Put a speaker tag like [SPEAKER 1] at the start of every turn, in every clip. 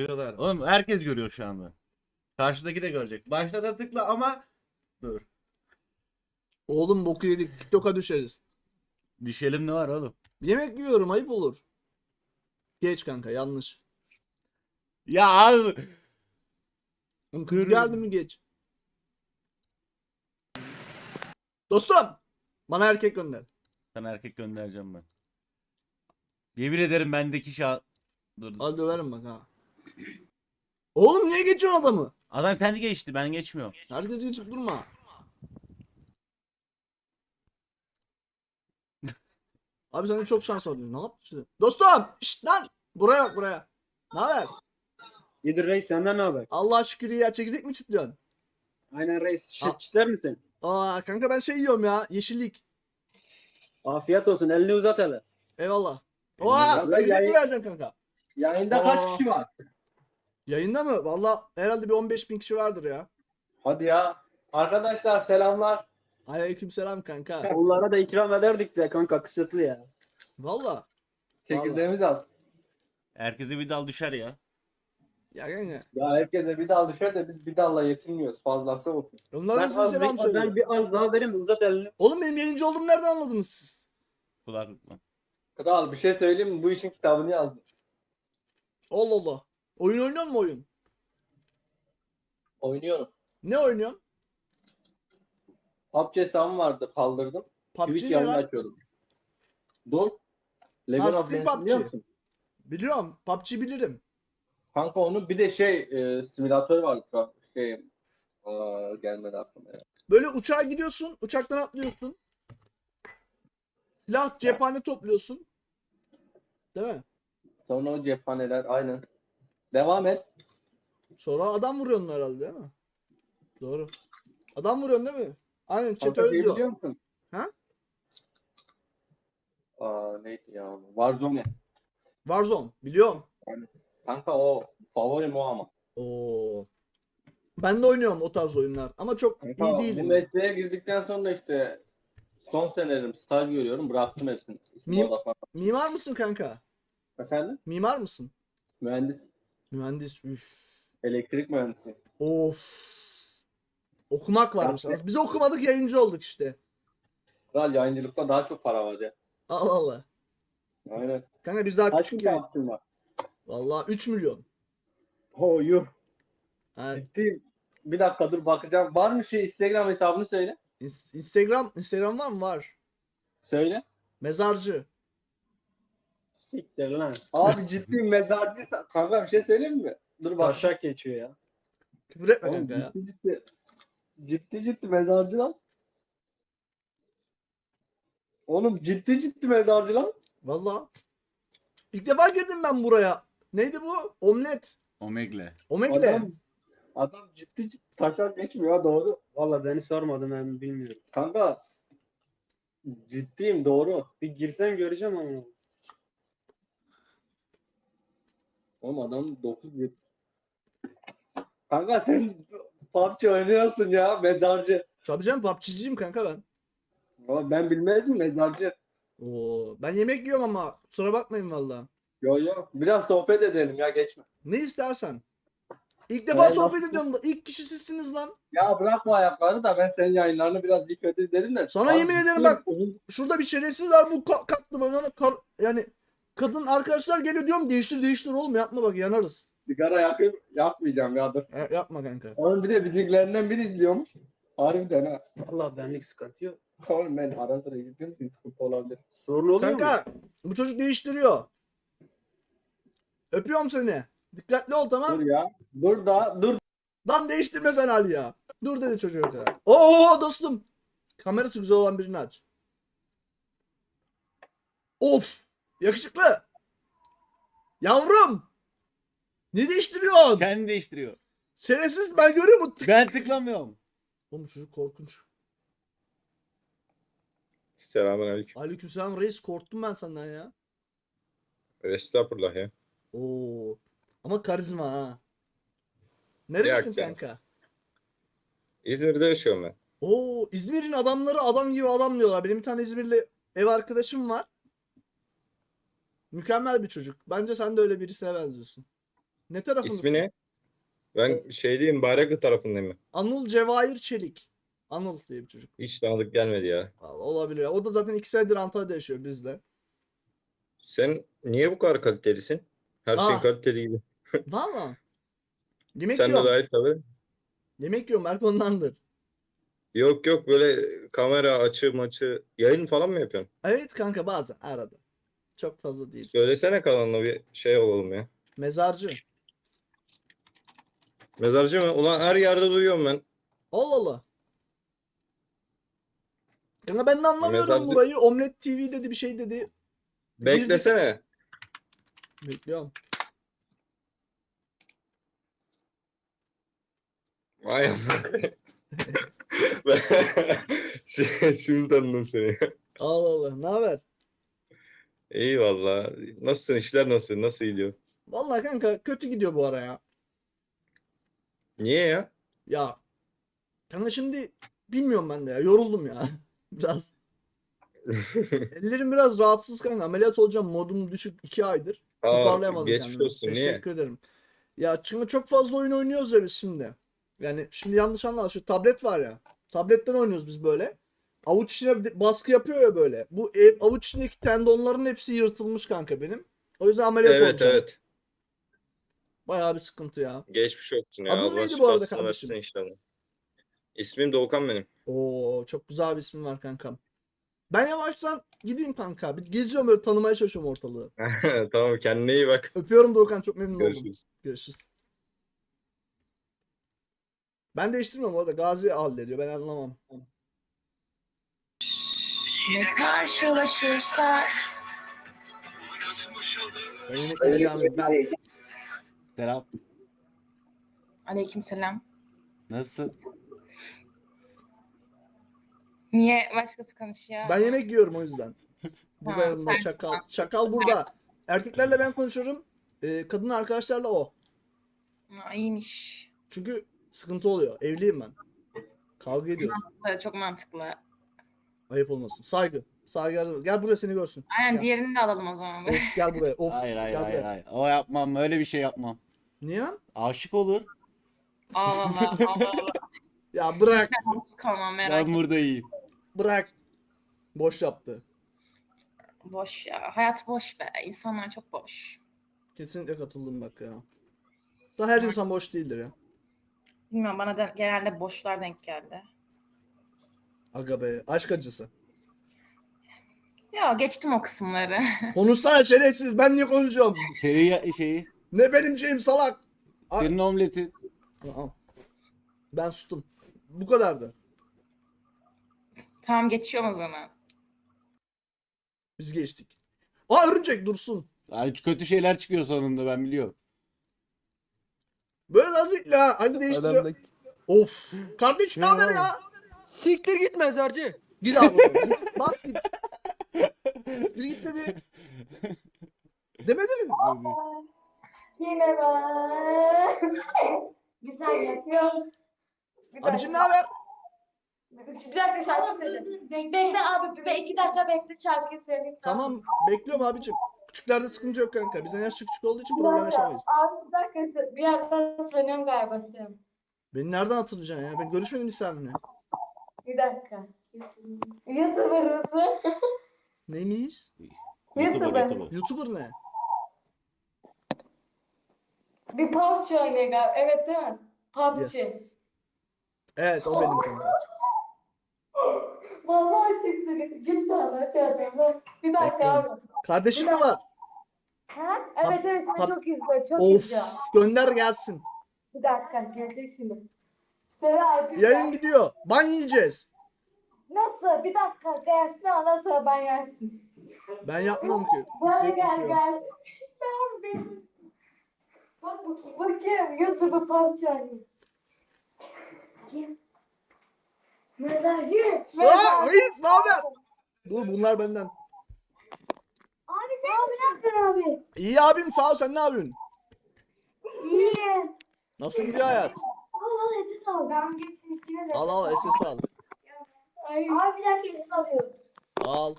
[SPEAKER 1] Görüyorlar. Oğlum herkes görüyor şu anda. Karşıdaki de görecek. Başta da tıkla ama dur.
[SPEAKER 2] Oğlum boku yedik. TikTok'a düşeriz.
[SPEAKER 1] Düşelim ne var oğlum?
[SPEAKER 2] Yemek yiyorum, ayıp olur. Geç kanka, yanlış.
[SPEAKER 1] Ya abi.
[SPEAKER 2] Oğlum kız
[SPEAKER 1] Dur.
[SPEAKER 2] geldi mi geç. Dostum. Bana erkek gönder.
[SPEAKER 1] Sana erkek göndereceğim ben. Yemin ederim bendeki Dur.
[SPEAKER 2] Hadi döverim bak ha. Oğlum niye geçiyorsun adamı?
[SPEAKER 1] Adam kendi geçti, ben geçmiyorum.
[SPEAKER 2] Herkes geçip durma. Abi sana çok şans oldu. Ne yaptın? Dostum! Şşt lan! Buraya bak buraya. Ne haber?
[SPEAKER 3] İyidir reis, senden ne haber?
[SPEAKER 2] Allah şükür ya, çekirdek mi çitliyorsun?
[SPEAKER 3] Aynen reis.
[SPEAKER 2] Al.
[SPEAKER 3] Şık çiter misin?
[SPEAKER 2] Aa kanka ben şey yiyorum ya, yeşillik.
[SPEAKER 3] Afiyet olsun. Elini uzat hele.
[SPEAKER 2] Eyvallah. Oha
[SPEAKER 3] Eyvallah.
[SPEAKER 2] çekirdek mi vereceksin kanka?
[SPEAKER 3] Yayında
[SPEAKER 2] Aa.
[SPEAKER 3] kaç kişi var?
[SPEAKER 2] Yayında mı? Valla herhalde bir 15.000 kişi vardır ya.
[SPEAKER 3] Hadi ya. Arkadaşlar selamlar.
[SPEAKER 2] Aleykümselam kanka.
[SPEAKER 3] Onlara da ikram ederdik de kanka, kısıtlı ya.
[SPEAKER 2] Valla.
[SPEAKER 3] Çekirdeğimiz az.
[SPEAKER 1] Herkese bir dal düşer ya.
[SPEAKER 2] Ya kanka.
[SPEAKER 3] Ya herkese bir dal düşer de biz bir dalla yetinmiyoruz. Fazlası olsun.
[SPEAKER 2] Onlar da size selam söylüyor.
[SPEAKER 3] Ben bir az daha vereyim, uzat elini.
[SPEAKER 2] Oğlum benim yayıncı olduğumu nereden anladınız siz?
[SPEAKER 1] Kulaklıkla.
[SPEAKER 3] Kral bir şey söyleyeyim mi? Bu işin kitabını yazdım.
[SPEAKER 2] Allah Allah. Oyun oynuyor mu oyun?
[SPEAKER 3] Oynuyorum.
[SPEAKER 2] Ne oynuyorsun?
[SPEAKER 3] PUBG hesabım vardı, kaldırdım.
[SPEAKER 2] PUBG
[SPEAKER 3] Twitch
[SPEAKER 2] ne
[SPEAKER 3] yayını
[SPEAKER 2] lan?
[SPEAKER 3] açıyordum. Don. Level of
[SPEAKER 2] Steam
[SPEAKER 3] Legends biliyor
[SPEAKER 2] PUBG.
[SPEAKER 3] musun?
[SPEAKER 2] Biliyorum. PUBG bilirim.
[SPEAKER 3] Kanka onun bir de simülatörü vardı. Gelmedi aklıma ya.
[SPEAKER 2] Böyle uçağa gidiyorsun. Uçaktan atlıyorsun. Silah, cephane topluyorsun. Değil mi?
[SPEAKER 3] Sonra o cephaneler aynen. Devam et.
[SPEAKER 2] Sonra adam vuruyorsun herhalde değil mi? Doğru. Adam vuruyorsun değil mi? Aynen chat
[SPEAKER 3] Kanka
[SPEAKER 2] öyle
[SPEAKER 3] şey
[SPEAKER 2] diyor.
[SPEAKER 3] biliyor musun?
[SPEAKER 2] Ha?
[SPEAKER 3] Neydi ya? Warzone.
[SPEAKER 2] Warzone. Biliyorum.
[SPEAKER 3] Kanka o favorim o ama.
[SPEAKER 2] Oo. Ben de oynuyorum o tarz oyunlar. Ama çok
[SPEAKER 3] Kanka,
[SPEAKER 2] iyi
[SPEAKER 3] bu
[SPEAKER 2] değilim.
[SPEAKER 3] mesleğe girdikten sonra işte son senelerim staj görüyorum. Bıraktım hepsini.
[SPEAKER 2] Mimar mısın kanka?
[SPEAKER 3] Efendim?
[SPEAKER 2] Mimar mısın?
[SPEAKER 3] Mühendis.
[SPEAKER 2] Mühendis. Üf.
[SPEAKER 3] Elektrik mühendisi.
[SPEAKER 2] Of. Okumak varmış.
[SPEAKER 3] Kanka.
[SPEAKER 2] Biz okumadık, yayıncı olduk işte.
[SPEAKER 3] Kral yayıncılıkta daha çok para var ya.
[SPEAKER 2] Allah Allah.
[SPEAKER 3] Aynen.
[SPEAKER 2] Kanka biz daha
[SPEAKER 3] Kaç
[SPEAKER 2] küçük
[SPEAKER 3] bin
[SPEAKER 2] yayın.
[SPEAKER 3] takipçin var?
[SPEAKER 2] Vallahi 3 milyon.
[SPEAKER 3] Oh yuh.
[SPEAKER 2] Ha,
[SPEAKER 3] Ciddi. Bir dakika dur bakacağım. Var mı Instagram hesabını söyle.
[SPEAKER 2] Instagram var mı? Var.
[SPEAKER 3] Söyle.
[SPEAKER 2] Mezarcı.
[SPEAKER 3] Siktir lan. Abi ciddi mezarcı. Kanka bir şey söyleyeyim mi? Dur bak. Taşak geçiyor ya.
[SPEAKER 2] Küfür etme
[SPEAKER 3] Oğlum
[SPEAKER 2] kanka ya.
[SPEAKER 3] ciddi. Ciddi mezarcı lan. Oğlum ciddi mezarcı lan.
[SPEAKER 2] Vallahi. İlk defa girdim ben buraya. Neydi bu? Omlet.
[SPEAKER 1] Omegle.
[SPEAKER 2] Omegle.
[SPEAKER 3] Adam ciddi taşak geçmiyor ha, doğru.
[SPEAKER 4] Valla beni sormadım, ben bilmiyorum.
[SPEAKER 3] Kanka ciddiyim, doğru.
[SPEAKER 4] Bir girsen göreceğim ama.
[SPEAKER 3] Oğlum adam 9 yıl. Kanka sen PUBG oynuyorsun ya, mezarcı.
[SPEAKER 2] Tabii canım, PUBG'ciyim kanka ben.
[SPEAKER 3] Ama ben bilmez mi mezarcı?
[SPEAKER 2] Oo, ben yemek yiyorum ama kusura bakmayın valla.
[SPEAKER 3] Yo biraz sohbet edelim ya, geçme.
[SPEAKER 2] Ne istersen. İlk defa sohbet
[SPEAKER 3] nasıl?
[SPEAKER 2] ediyorum da ilk kişi sizsiniz lan.
[SPEAKER 3] Ya bırak bu ayakları da, ben senin yayınlarını biraz iyi kötü izledim de.
[SPEAKER 2] Sana
[SPEAKER 3] Abi,
[SPEAKER 2] yemin ederim bak, şurada bir şerefsiz var, bu kalktı bana yani kadın arkadaşlar geliyor diyorum, değiştir oğlum, yapma bak yanarız.
[SPEAKER 3] Sigara yakmayacağım ya, dur.
[SPEAKER 2] Yapma kanka.
[SPEAKER 3] Onun bir de bizimkilerinden biri izliyormuş. Harbiden ha.
[SPEAKER 4] Valla benlik sıkıntı yok.
[SPEAKER 3] Oğlum ben ara sıra gittim, sıkıntı olabilir.
[SPEAKER 4] Sorun oluyor mu?
[SPEAKER 2] Kanka bu çocuk değiştiriyor. Öpüyorum seni. Dikkatli ol, tamam.
[SPEAKER 3] Dur ya. Dur.
[SPEAKER 2] Lan değiştirme sen Ali ya. Dur dedi çocuğa. Oo dostum. Kamerası güzel olan birini aç. Of. Yakışıklı. Yavrum. Ne değiştiriyorsun?
[SPEAKER 1] Kendi değiştiriyor.
[SPEAKER 2] Şerefsiz, ben görüyorum.
[SPEAKER 1] Ben tıklamıyorum.
[SPEAKER 2] Oğlum çocuk korkunç.
[SPEAKER 5] Selamünaleyküm.
[SPEAKER 2] Aleykümselam reis, korktum ben senden ya.
[SPEAKER 5] Estağfurullah ya.
[SPEAKER 2] Oo. Ama karizma ha. Nerelisin
[SPEAKER 5] Yok canım.
[SPEAKER 2] kanka?
[SPEAKER 5] İzmir'de yaşıyorum ben.
[SPEAKER 2] Oo, İzmir'in adamları adam gibi adam diyorlar. Benim bir tane İzmirli ev arkadaşım var. Mükemmel bir çocuk. Bence sen de öyle birisine benziyorsun. Ne tarafındasın?
[SPEAKER 5] İsmi ne? Ben şeydeyim, Bayraklı tarafındayım.
[SPEAKER 2] Anıl Cevahir Çelik. Anıl diye bir çocuk.
[SPEAKER 5] Hiç tanıdık gelmedi ya.
[SPEAKER 2] Vallahi olabilir. O da zaten 2 senedir Antalya'da yaşıyor bizle.
[SPEAKER 5] Sen niye bu kadar kalitelisin? Her şeyin
[SPEAKER 2] Ah.
[SPEAKER 5] kaliteli gibi.
[SPEAKER 2] Valla. Yemek
[SPEAKER 5] Sen de
[SPEAKER 2] yiyorum.
[SPEAKER 5] dahil tabii.
[SPEAKER 2] Yemek yiyorum. Belki ondandır.
[SPEAKER 5] Yok yok, böyle kamera açı maçı yayın falan mı yapıyorsun?
[SPEAKER 2] Evet kanka bazen arada. Çok fazla değil.
[SPEAKER 5] Söylesene kanalına, bir şey olalım ya.
[SPEAKER 2] Mezarcı.
[SPEAKER 5] Mezarcı mı? Ulan her yerde duyuyorum ben.
[SPEAKER 2] Allah Allah. Kanka ben de anlamıyorum
[SPEAKER 5] Mezarcı-
[SPEAKER 2] burayı. Omlet TV dedi bir şey dedi.
[SPEAKER 5] Beklesene.
[SPEAKER 2] Bekliyorum.
[SPEAKER 5] Vay amına. Şimdi tanıdım seni.
[SPEAKER 2] Allah Allah. Ne haber?
[SPEAKER 5] İyi valla. Nasılsın? İşler nasıl? Nasıl gidiyor?
[SPEAKER 2] Vallahi kanka kötü gidiyor bu ara ya.
[SPEAKER 5] Niye ya?
[SPEAKER 2] Ya kanka şimdi bilmiyorum ben de ya. Yoruldum ya. Biraz. Ellerim biraz rahatsız kanka. Ameliyat olacağım. Modum düşük 2 aydır.
[SPEAKER 5] Aa,
[SPEAKER 2] Toparlayamadım
[SPEAKER 5] geçmiş
[SPEAKER 2] kendimi.
[SPEAKER 5] olsun. Niye?
[SPEAKER 2] Teşekkür ederim. Ya çünkü çok fazla oyun oynuyoruz ya biz şimdi. Yani şimdi yanlış anlama. Şu tablet var ya. Tabletten oynuyoruz biz böyle. Avuç içine bir baskı yapıyor ya böyle. Bu avuç içindeki tendonların hepsi yırtılmış kanka benim. O yüzden ameliyat
[SPEAKER 5] Evet
[SPEAKER 2] olacağım.
[SPEAKER 5] evet.
[SPEAKER 2] Bayağı bir sıkıntı ya.
[SPEAKER 5] Geçmiş olsun ya.
[SPEAKER 2] Adın
[SPEAKER 5] Allah
[SPEAKER 2] neydi bu arada
[SPEAKER 5] şifasını
[SPEAKER 2] kardeşim?
[SPEAKER 5] versin inşallah. İsmim Doğukan benim.
[SPEAKER 2] Oo çok güzel bir ismin var kankam. Ben yavaştan gideyim kanka. Bir geziyorum böyle tanımaya çalışıyorum ortalığı.
[SPEAKER 5] Tamam, kendine iyi bak.
[SPEAKER 2] Öpüyorum Doğukan, çok memnun oldum.
[SPEAKER 5] Görüşürüz.
[SPEAKER 2] Görüşürüz. Ben değiştirmiyorum orada. Gazi hallediyor. Ben anlamam.
[SPEAKER 6] Yine karşılaşırsak
[SPEAKER 2] Ben yemekle devam edeyim.
[SPEAKER 1] Selam.
[SPEAKER 6] Aleykümselam.
[SPEAKER 1] Nasılsın?
[SPEAKER 6] Niye başkası konuşuyor?
[SPEAKER 2] Ben yemek yiyorum o yüzden. Burada
[SPEAKER 6] Ha,
[SPEAKER 2] yanımda
[SPEAKER 6] sen-
[SPEAKER 2] çakal. Çakal burada. Erkeklerle ben konuşuyorum. Kadın arkadaşlarla o.
[SPEAKER 6] Aa, iyiymiş.
[SPEAKER 2] Çünkü sıkıntı oluyor. Evliyim ben. Kavga ediyoruz.
[SPEAKER 6] Çok mantıklı.
[SPEAKER 2] Ayıp olmasın. Saygı. Saygı. Gel buraya seni görsün.
[SPEAKER 6] Aynen
[SPEAKER 2] Ya.
[SPEAKER 6] diğerini de alalım o zaman.
[SPEAKER 2] Of, gel buraya. Of.
[SPEAKER 1] Hayır hayır
[SPEAKER 2] gel
[SPEAKER 1] hayır
[SPEAKER 2] buraya.
[SPEAKER 1] hayır. O yapmam, öyle bir şey yapmam.
[SPEAKER 2] Niye lan?
[SPEAKER 1] Aşık olur.
[SPEAKER 6] Allah Allah. Allah Allah.
[SPEAKER 2] Ya bırak.
[SPEAKER 6] Kalmam merak
[SPEAKER 1] Ben
[SPEAKER 6] etme.
[SPEAKER 1] burada iyiyim.
[SPEAKER 2] Bırak. Boş yaptı.
[SPEAKER 6] Boş ya. Hayat boş be. İnsanlar çok boş.
[SPEAKER 2] Kesinlikle katıldım bak ya. Da her insan boş değildir ya.
[SPEAKER 6] Bilmiyorum, bana da genelde boşlar denk geldi.
[SPEAKER 2] Aga be. Aşk acısı.
[SPEAKER 6] Ya geçtim o kısımları.
[SPEAKER 2] Konuşsana şerefsiz. Ben niye konuşuyorum?
[SPEAKER 1] Şeyi,
[SPEAKER 2] Ne benim şeyim salak. Ay-
[SPEAKER 1] senin omletin.
[SPEAKER 2] Aa. Ben sustum. Bu kadardı.
[SPEAKER 6] Tamam, geçiyorum o zaman.
[SPEAKER 2] Biz geçtik. Aa örümcek dursun.
[SPEAKER 1] Ay, kötü şeyler çıkıyor sonunda, ben biliyorum.
[SPEAKER 2] Böyle nazik la. Hani değiştiriyor. Of. Kardeş ne haber ya?
[SPEAKER 3] Siktir git mezarcı.
[SPEAKER 2] Git abi. Git, bas git. Bir git dedi. Demedi mi?
[SPEAKER 7] Yine ben. Bir saniye yapıyorum. Bir
[SPEAKER 2] Abicim ne haber?
[SPEAKER 7] Bir dakika şarkı söyle. Bekle abi, 2 dakika bekle, şarkıyı söyleyeyim.
[SPEAKER 2] Tamam bekliyorum abicim. Küçüklerde sıkıntı yok kanka. Bizden yaş küçük olduğu için problem yaşamayız.
[SPEAKER 7] Abi bir dakika, bir yerden tanıyorum galiba seni.
[SPEAKER 2] Beni nereden hatırlayacaksın ya? Ben görüşmedim hiç seninle.
[SPEAKER 7] Bir dakika. YouTuber mısın?
[SPEAKER 2] Neymiş?
[SPEAKER 1] YouTuber.
[SPEAKER 2] YouTuber ne?
[SPEAKER 7] Bir PUBG oynuyor galiba. Evet değil mi? PUBG.
[SPEAKER 2] Yes. Evet o benim kanka.
[SPEAKER 7] Vallahi çıktı. Git sana çağırıyorum. Bir dakika
[SPEAKER 2] Bekliyorum.
[SPEAKER 7] abi.
[SPEAKER 2] Kardeşin mi var?
[SPEAKER 7] Ha? Evet evet, seni
[SPEAKER 2] Tab-
[SPEAKER 7] çok izliyor. Çok
[SPEAKER 2] Of
[SPEAKER 7] izliyor.
[SPEAKER 2] gönder gelsin.
[SPEAKER 7] Bir dakika, gelecek şimdi. Seni artık.
[SPEAKER 2] Yayın gidiyor. Ban yiyeceğiz.
[SPEAKER 7] Nasıl? Bir dakika gelsin, ondan sonra ben yersin.
[SPEAKER 2] Ben yapmam ki.
[SPEAKER 7] Bana
[SPEAKER 2] Sürekli
[SPEAKER 7] gel
[SPEAKER 2] düşüyor.
[SPEAKER 7] gel. Ben benim. Bak bakayım. Bakayım. YouTube'u parçalayayım. Bakayım. Mezarcı.
[SPEAKER 2] Aa reis ne haber? Dur bunlar benden.
[SPEAKER 7] Abi sen ne yapıyorsun abi?
[SPEAKER 2] İyi abim sağ ol, sen ne yapıyorsun?
[SPEAKER 7] İyi.
[SPEAKER 2] Nasıl gidiyor hayat?
[SPEAKER 7] Al SS al. Ben geçin ikine de.
[SPEAKER 2] Al al SS al.
[SPEAKER 7] Ay. Abi bir dakika SS alıyorum.
[SPEAKER 2] Al.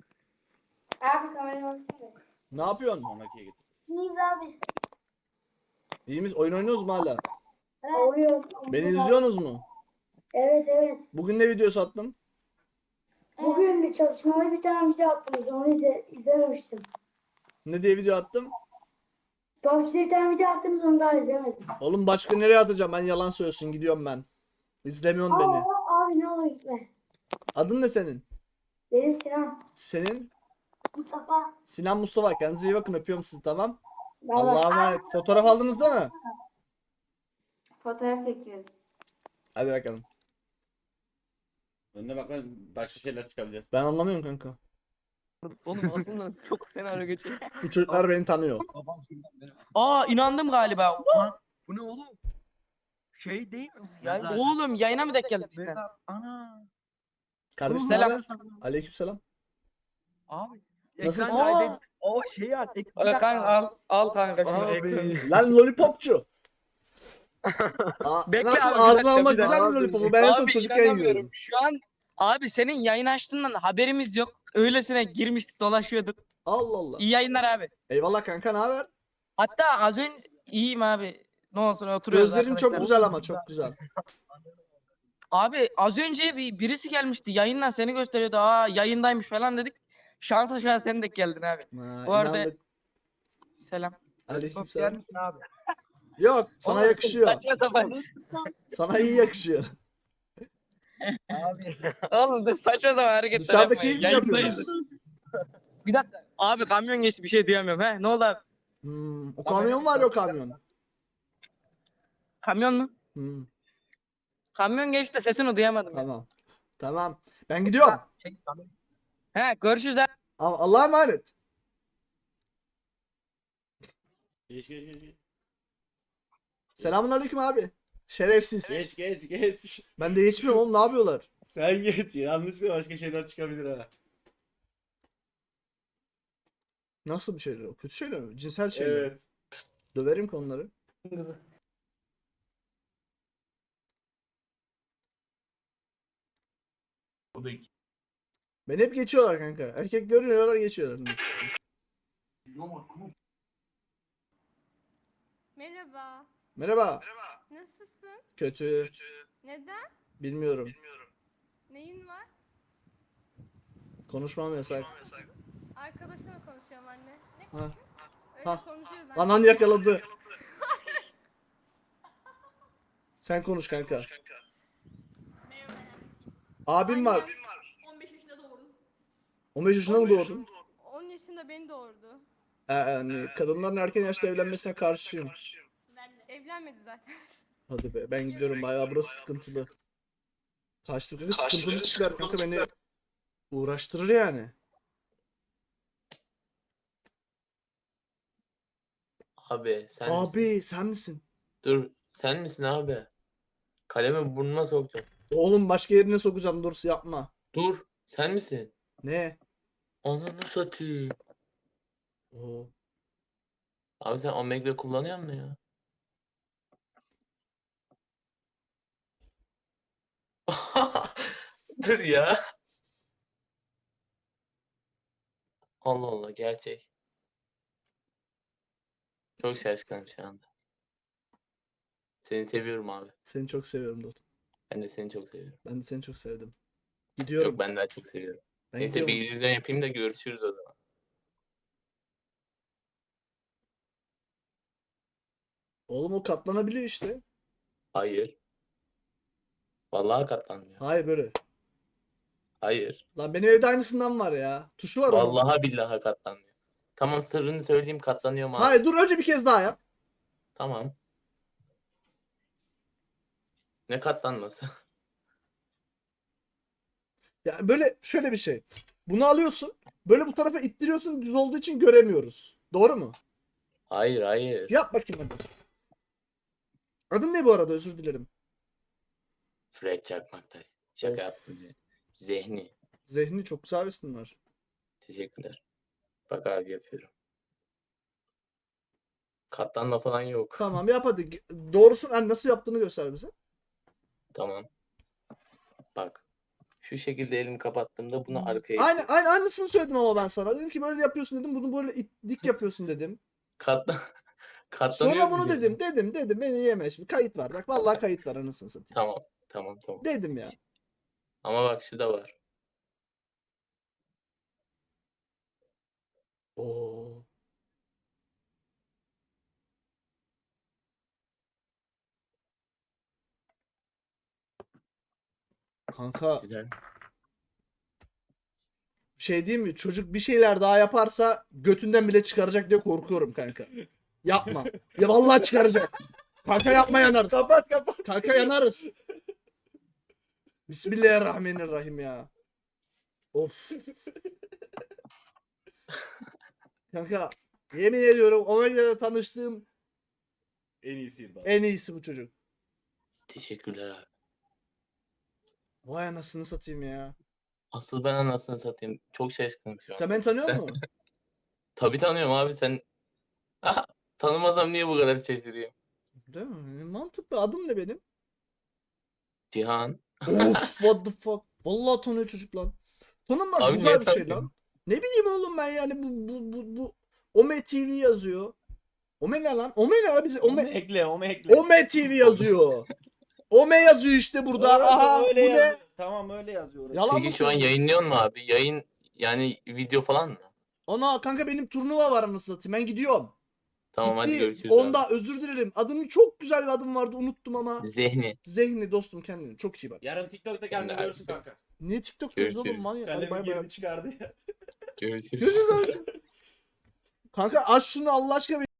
[SPEAKER 7] Abi kamerayı baksana.
[SPEAKER 2] Ne yapıyorsun?
[SPEAKER 1] Sonrakiye getir.
[SPEAKER 7] İyiyiz abi.
[SPEAKER 2] İyi miyiz? Oyun oynuyoruz mu hala?
[SPEAKER 8] Oluyor.
[SPEAKER 2] Beni izliyorsunuz mu?
[SPEAKER 8] Evet evet.
[SPEAKER 2] Bugün ne videosu attım?
[SPEAKER 8] Bugün bir çalışmalı bir tane video attınız. Onu izlememiştim.
[SPEAKER 2] Ne diye video attım?
[SPEAKER 8] PUBG'de bir tane video attınız, onu daha izlemedim.
[SPEAKER 2] Oğlum başka nereye atacağım? Ben yalan söylüyorsun. Gidiyorum ben. İzlemiyorsun beni.
[SPEAKER 8] Abi ne olur gitme.
[SPEAKER 2] Adın ne senin?
[SPEAKER 8] Benim Sinan.
[SPEAKER 2] Senin?
[SPEAKER 8] Mustafa.
[SPEAKER 2] Sinan Mustafa. Kendinize iyi bakın. Öpüyorum sizi, tamam.
[SPEAKER 8] Bay bay.
[SPEAKER 2] Allah'a emanet. Fotoğraf aldınız değil mi?
[SPEAKER 7] Fotoğraf çekiyorum.
[SPEAKER 2] Hadi bakalım.
[SPEAKER 1] Önüne bak lan, başka şeyler çıkabilir.
[SPEAKER 2] Ben anlamıyorum kanka.
[SPEAKER 9] Oğlum aklımdan çok senaryo geçiyor.
[SPEAKER 2] Bu çocuklar beni tanıyor.
[SPEAKER 9] Aa inandım galiba.
[SPEAKER 10] Bu ne oğlum? Şey değil mi?
[SPEAKER 9] Oğlum yayına mı denk geldik işte?
[SPEAKER 10] Mezar. Ana.
[SPEAKER 2] Kardeşim ne
[SPEAKER 9] Selam.
[SPEAKER 2] haber? Aleykümselam.
[SPEAKER 10] Abi.
[SPEAKER 2] Nasılsın?
[SPEAKER 10] Ekran kaydı. O şey at.
[SPEAKER 9] Kanka al kanka şunu
[SPEAKER 10] Abi.
[SPEAKER 9] ekranı.
[SPEAKER 2] Lan lollipopçu.
[SPEAKER 9] Bekle
[SPEAKER 2] Nasıl
[SPEAKER 9] abi, bir
[SPEAKER 2] ağzına
[SPEAKER 9] dakika,
[SPEAKER 2] almak
[SPEAKER 9] bir dakika.
[SPEAKER 2] güzel mi lollipopu? Ben en son
[SPEAKER 9] Abi
[SPEAKER 2] çocukken
[SPEAKER 9] inanamıyorum.
[SPEAKER 2] yiyordum.
[SPEAKER 9] Şu an abi senin yayın açtığından haberimiz yok. Öylesine girmiştik dolaşıyorduk.
[SPEAKER 2] Allah Allah.
[SPEAKER 9] İyi yayınlar abi.
[SPEAKER 2] Eyvallah kanka, ne haber?
[SPEAKER 9] Hatta az önce iyiyim abi. Ne olsun oturuyoruz
[SPEAKER 2] Gözlerin çok
[SPEAKER 9] arkadaşlar.
[SPEAKER 2] güzel ama çok güzel.
[SPEAKER 9] Abi az önce birisi gelmişti yayından seni gösteriyordu. Aa yayındaymış falan dedik. Şansa şu an sen de geldin abi.
[SPEAKER 2] Ha,
[SPEAKER 9] Bu arada-
[SPEAKER 2] inandık.
[SPEAKER 9] Selam.
[SPEAKER 10] Yer
[SPEAKER 2] Aleykümselam.
[SPEAKER 10] misin abi?
[SPEAKER 2] Yok, sana
[SPEAKER 9] Oğlum,
[SPEAKER 2] yakışıyor.
[SPEAKER 9] Saçma sapan.
[SPEAKER 2] Sana iyi yakışıyor.
[SPEAKER 10] Abi.
[SPEAKER 9] Oğlum da saçma sapan hareketler
[SPEAKER 2] Dışarıda
[SPEAKER 9] yapmayın.
[SPEAKER 2] keyif mi
[SPEAKER 9] Yayındayız.
[SPEAKER 2] yapıyorsunuz?
[SPEAKER 9] Bir dakika. Abi kamyon geçti bir şey duyamıyorum. He ne oldu abi?
[SPEAKER 2] O kamyon var ya, o kamyon.
[SPEAKER 9] Kamyon mu?
[SPEAKER 2] Hmm,
[SPEAKER 9] Kamyon geçti de sesini duyamadım. ya.
[SPEAKER 2] tamam. Tamam. Ben gidiyorum.
[SPEAKER 10] Şey, tamam.
[SPEAKER 9] He görüşürüz abi.
[SPEAKER 2] Allah'a emanet.
[SPEAKER 1] Geç.
[SPEAKER 2] Selamun aleyküm abi. Şerefsiz.
[SPEAKER 1] Geç.
[SPEAKER 2] Ben de geçmiyorum oğlum, ne yapıyorlar?
[SPEAKER 1] Sen geç. Yanlışlıkla başka şeyler çıkabilir ha.
[SPEAKER 2] Nasıl bir şeyler o? Kötü şeyler mi? Cinsel şeyler mi?
[SPEAKER 1] Evet.
[SPEAKER 2] Döverim konuları. Beni hep geçiyorlar kanka. Erkek görüyorlar, geçiyorlar.
[SPEAKER 7] Merhaba.
[SPEAKER 2] Merhaba.
[SPEAKER 7] Nasılsın?
[SPEAKER 2] Kötü.
[SPEAKER 7] Neden?
[SPEAKER 2] Bilmiyorum.
[SPEAKER 7] Neyin var?
[SPEAKER 2] Konuşmam yasak.
[SPEAKER 7] Arkadaşımla konuşuyorum anne. Ne
[SPEAKER 2] Ha.
[SPEAKER 7] konuşuyor? Öyle
[SPEAKER 2] Ha.
[SPEAKER 7] konuşuyoruz anne.
[SPEAKER 2] Anan yakaladı. Sen konuş kanka. Abim var.
[SPEAKER 7] 15 yaşında doğurdum.
[SPEAKER 2] 15 yaşında mı doğdun?
[SPEAKER 7] 10 yaşında beni doğurdu.
[SPEAKER 2] Yani kadınların erken yaşta evlenmesine karşıyım.
[SPEAKER 7] Evlenmedi zaten.
[SPEAKER 2] Hadi be, ben gidiyorum, bayağı burası sıkıntılı. Kaçtım kanka, sıkıntılı tipler kanka, beni uğraştırır yani.
[SPEAKER 11] Abi sen misin?
[SPEAKER 2] Abi sen misin?
[SPEAKER 11] Dur sen misin abi? Kalemi burnuma soktum.
[SPEAKER 2] Oğlum başka yerine sokacağım, dur yapma.
[SPEAKER 11] Dur sen misin?
[SPEAKER 2] Ne?
[SPEAKER 11] Ananı satayım.
[SPEAKER 2] Oo.
[SPEAKER 11] Abi sen Omegle kullanıyor musun ya? Dur ya. Allah Allah gerçek. Çok şaşkınım şu anda. Seni seviyorum abi.
[SPEAKER 2] Seni çok seviyorum dostum.
[SPEAKER 11] Ben de seni çok seviyorum.
[SPEAKER 2] Ben de seni çok sevdim. Gidiyorum.
[SPEAKER 11] Yok ben daha çok seviyorum.
[SPEAKER 2] Ben
[SPEAKER 11] Neyse bir
[SPEAKER 2] gidiyorum.
[SPEAKER 11] yüzden yapayım da görüşürüz o zaman.
[SPEAKER 2] Oğlum o katlanabiliyor işte.
[SPEAKER 11] Hayır. Vallahi katlanmıyor.
[SPEAKER 2] Hayır böyle.
[SPEAKER 11] Hayır.
[SPEAKER 2] Lan benim evde aynısından var ya. Tuşu var onun.
[SPEAKER 11] Vallahi billahi katlanmıyor. Tamam sırrını söyleyeyim katlanıyor mu?
[SPEAKER 2] Hayır dur, önce bir kez daha yap.
[SPEAKER 11] Tamam. Ne katlanması?
[SPEAKER 2] Yani böyle şöyle bir şey. Bunu alıyorsun. Böyle bu tarafa ittiriyorsun, düz olduğu için göremiyoruz. Doğru mu?
[SPEAKER 11] Hayır.
[SPEAKER 2] Yap bakayım hadi. Adın ne bu arada, özür dilerim.
[SPEAKER 11] Fred Çakmaktaş. Şaka
[SPEAKER 2] Of.
[SPEAKER 11] yaptım. Zehni.
[SPEAKER 2] Zehni çok güzel bir isim var.
[SPEAKER 11] Teşekkürler. Bak abi yapıyorum. Katlanma falan yok.
[SPEAKER 2] Tamam yap hadi. Doğrusun, hani nasıl yaptığını göster bize.
[SPEAKER 11] Tamam. Bak. Şu şekilde elimi kapattığımda bunu arkaya
[SPEAKER 2] Aynısını söyledim ama ben sana. Dedim ki böyle yapıyorsun dedim. Bunu böyle dik yapıyorsun dedim.
[SPEAKER 11] Katlan Katlanıyor
[SPEAKER 2] Sonra bunu
[SPEAKER 11] diyecektim.
[SPEAKER 2] dedim beni yeme şimdi kayıt var bak vallahi kayıt var anasını satayım.
[SPEAKER 11] Tamam.
[SPEAKER 2] Dedim ya.
[SPEAKER 11] Ama bak şu da var.
[SPEAKER 2] Oo. Kanka
[SPEAKER 11] Güzel.
[SPEAKER 2] şey diyeyim mi? Çocuk bir şeyler daha yaparsa götünden bile çıkaracak diye korkuyorum kanka. Yapma. Ya vallahi çıkaracak. Kanka yapma yanarız.
[SPEAKER 1] Kapat kapat.
[SPEAKER 2] Kanka yanarız. Bismillahirrahmanirrahim ya. Of. Kanka yemin ediyorum Omega'da tanıştığım
[SPEAKER 1] En iyisi bak.
[SPEAKER 2] en iyisi bu çocuk.
[SPEAKER 11] Teşekkürler abi.
[SPEAKER 2] Vay anasını satayım ya.
[SPEAKER 11] Asıl ben anasını satayım. Çok şaşkınım şu an.
[SPEAKER 2] Sen beni tanıyor musun?
[SPEAKER 11] Tabii tanıyorum abi sen. Aha, tanımasam niye bu kadar şaşırıyorum?
[SPEAKER 2] Değil mi? Mantıklı. Adım ne benim?
[SPEAKER 11] Cihan.
[SPEAKER 2] Of what the fuck. Vallahi tanıyor çocuk lan. Tanınmak
[SPEAKER 11] Abi
[SPEAKER 2] güzel
[SPEAKER 11] niye
[SPEAKER 2] bir şey
[SPEAKER 11] tanıyorsun?
[SPEAKER 2] lan. Ne bileyim oğlum ben yani bu Ome TV yazıyor. Ome ne lan? Ome ne abi?
[SPEAKER 1] Onu ekle, onu ekle.
[SPEAKER 2] Ome TV yazıyor. Ome yazıyor işte burada.
[SPEAKER 1] Evet,
[SPEAKER 2] Aha
[SPEAKER 1] öyle
[SPEAKER 2] bu
[SPEAKER 1] yaz-
[SPEAKER 2] ne?
[SPEAKER 1] Tamam öyle yazıyor. orası.
[SPEAKER 2] Yalan mı
[SPEAKER 11] Peki şu an
[SPEAKER 2] söylüyorsun?
[SPEAKER 11] yayınlıyor mu abi? Yayın yani video falan mı?
[SPEAKER 2] Ana kanka benim turnuva var anasını satayım. Ben gidiyorum.
[SPEAKER 11] Tamam hadi
[SPEAKER 2] Gitti.
[SPEAKER 11] görüşürüz
[SPEAKER 2] Onda
[SPEAKER 11] abi.
[SPEAKER 2] özür dilerim. Adının çok güzel bir adım vardı unuttum ama.
[SPEAKER 11] Zehni.
[SPEAKER 2] Zehni dostum kendine çok iyi bak.
[SPEAKER 1] Yarın TikTok'ta
[SPEAKER 11] Sen de
[SPEAKER 1] kendini görürsün
[SPEAKER 11] abi.
[SPEAKER 1] kanka.
[SPEAKER 2] Niye TikTok'tayız oğlum
[SPEAKER 11] Görüşürüz.
[SPEAKER 2] manyak. Hadi
[SPEAKER 1] Kalemi
[SPEAKER 2] bay bay.
[SPEAKER 1] girdi çıkardı ya.
[SPEAKER 11] Görüşürüz.
[SPEAKER 2] Görüşürüz abi. Kanka aç şunu Allah aşkına.